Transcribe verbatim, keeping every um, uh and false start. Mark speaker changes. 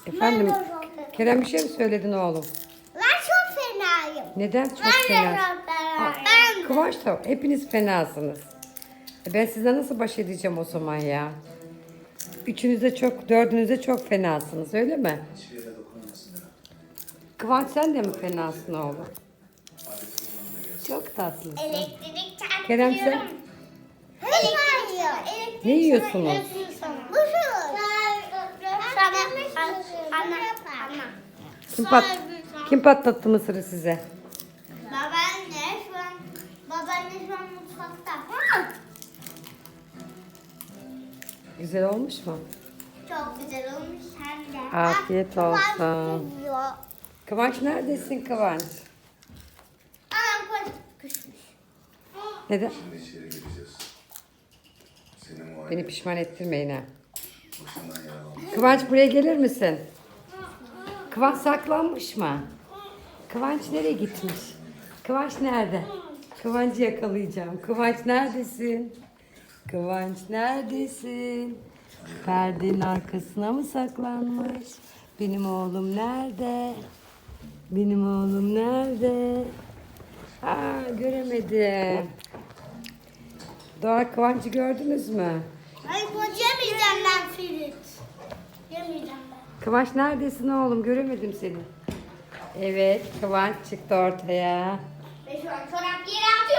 Speaker 1: Efendim,
Speaker 2: Ben de çok fenayım.
Speaker 1: Kerem bir şey mi söyledin oğlum?
Speaker 2: Ben çok fenayım.
Speaker 1: Neden çok
Speaker 2: Ben de
Speaker 1: fena?
Speaker 2: çok fenayım.
Speaker 1: Aa,
Speaker 2: Ben de.
Speaker 1: Kıvanç da hepiniz fenasınız. E Ben size nasıl baş edeceğim o zaman ya? Üçünüz de çok, dördünüz de çok fenasınız öyle mi? Kıvanç sen de mi fenasın oğlum? Çok tatlısın.
Speaker 2: Elektrik çarpıyor.
Speaker 1: Kerem sen?
Speaker 2: Elektrik yiyor.
Speaker 1: Ne yiyorsunuz?
Speaker 2: Bu şu. Sana. Ana. Ana.
Speaker 1: Kim, pat, kim patlattı mısırı size?
Speaker 2: Babaanne şu an. Babaanne şu an mutfakta.
Speaker 1: Güzel olmuş mu?
Speaker 2: Çok güzel olmuş hem de.
Speaker 1: Afiyet
Speaker 2: Bak,
Speaker 1: olsun.
Speaker 2: Kıvanç yiyor.
Speaker 1: Kıvanç neredesin Kıvanç?
Speaker 2: Anam koş. Kışmış.
Speaker 1: Neden?
Speaker 3: Şimdi içeri gireceğiz. Seni muayene
Speaker 1: Beni pişman ettirmeyin ha.
Speaker 3: başından yaralanmış.
Speaker 1: Kıvanç buraya gelir misin? Kıvanç saklanmış mı? Kıvanç nereye gitmiş? Kıvanç nerede? Kıvanç'ı yakalayacağım. Kıvanç neredesin? Kıvanç neredesin? Perdenin arkasına mı saklanmış? Benim oğlum nerede? Benim oğlum nerede? Aa göremedim. Doğa Kıvanç'ı gördünüz mü?
Speaker 2: Ay koç yemeyeceğim ben Ferit. Yemeyeceğim ben.
Speaker 1: Kıvanç neredesin oğlum? Göremedim seni. Evet, Kıvanç çıktı ortaya.
Speaker 2: Ve şu an çorap yere